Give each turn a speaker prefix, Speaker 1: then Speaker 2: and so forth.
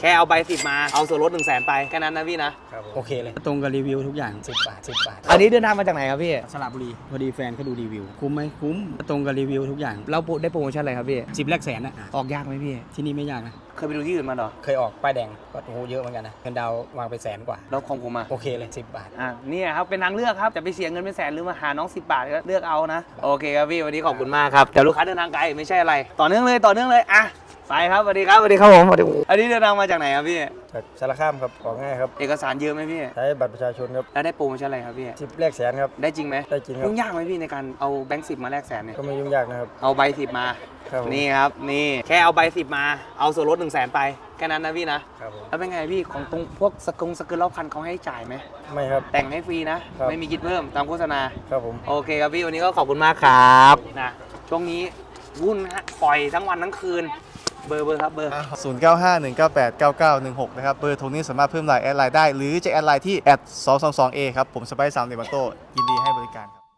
Speaker 1: แค่เอาใบ10มาเอาส่วนลด100,000ไปแค่นั้นนะพี่นะโอเคเลย
Speaker 2: ตรงกับรีวิวทุกอย่าง10 บาท10 บาท
Speaker 1: อันนี้เดินทางมาจากไหนครับพี่
Speaker 2: สระบุรีพอดีแฟนเขาดูรีวิวคุ้มไหมคุ้มตรงกับรีวิวทุกอย่าง
Speaker 1: เราได้โปรโมชั่นอะไรครับพี่
Speaker 2: 10 แรกแสนนะ
Speaker 1: ออกยากไหมพี่
Speaker 2: ที่นี่ไม่ยากนะ
Speaker 1: เคยไปดูที่อื่นมาเหรอ
Speaker 2: เคยออกป้ายแดงก็โอ้โหเยอะเหมือนกันนะเงินดาววางไป100,000 กว่า
Speaker 1: แล้วของผมอ่ะ
Speaker 2: โอเคเลย10 บาท
Speaker 1: เนี่ยครับเป็นทางเลือกครับจะไปเสียเงินเป็นแสนหรือมาหาน้อง10 บาทก็เลือกเอานะโอเคครับพี่วันนี้ขอบคุณมากครับแต่ลูกค้าเดินทางไกลไม่ใช่อะไรต่อเนื่องเลยอ่ะไปครับสวัสดีครับผมอันนี้เดินทางมาจากไหนครับพี่
Speaker 3: จากสารคามครับออกง่ายครับ
Speaker 1: เอกสารเยอะไหมพี่
Speaker 3: ใช้บัตรประชาชนครับ
Speaker 1: แล้วได้โปรโมชั่นอะไรครับพี่
Speaker 3: 10แรกแสนครับ
Speaker 1: ได้จริงไหม
Speaker 3: ได้จริงครับ
Speaker 1: ยุ่งยากไหมพี่ในการเอาแบงค์10มาแลกแสนเนี่ย
Speaker 3: ก็ไม่ยุ่งยากนะครับ
Speaker 1: เอาใบ10มา
Speaker 3: ครับผม
Speaker 1: นี่ครับนี่แค่เอาใบ10มาเอาส่วนลด100,000ไปแค่นั้นนะพี่นะครับ
Speaker 3: ผม
Speaker 1: แล้วเป็นไงพี่ของตรงพวกสกุลรอบคันเขาให้จ่ายไหม
Speaker 3: ไม่ครับ
Speaker 1: แต่งให้ฟรีนะ
Speaker 3: ครับ
Speaker 1: ไม่มีคิดเพิ่มตามโฆษณา
Speaker 3: ครับผม
Speaker 1: โอเคครับพี่วันนี้ก็ขอบคุณมากครับนะช่วงนี้วุ่นฮะปล่อยทั้งวันทั้งคืนเบอร์ครับเบอร์
Speaker 4: 0951989916 นะครับ เบอร์โทรนี้สามารถเพิ่มไลน์แอดไลน์ได้ หรือจะแอดไลน์ที่ @222A ครับ ผมสไปซ์3เดมันโตยินดีให้บริการครับ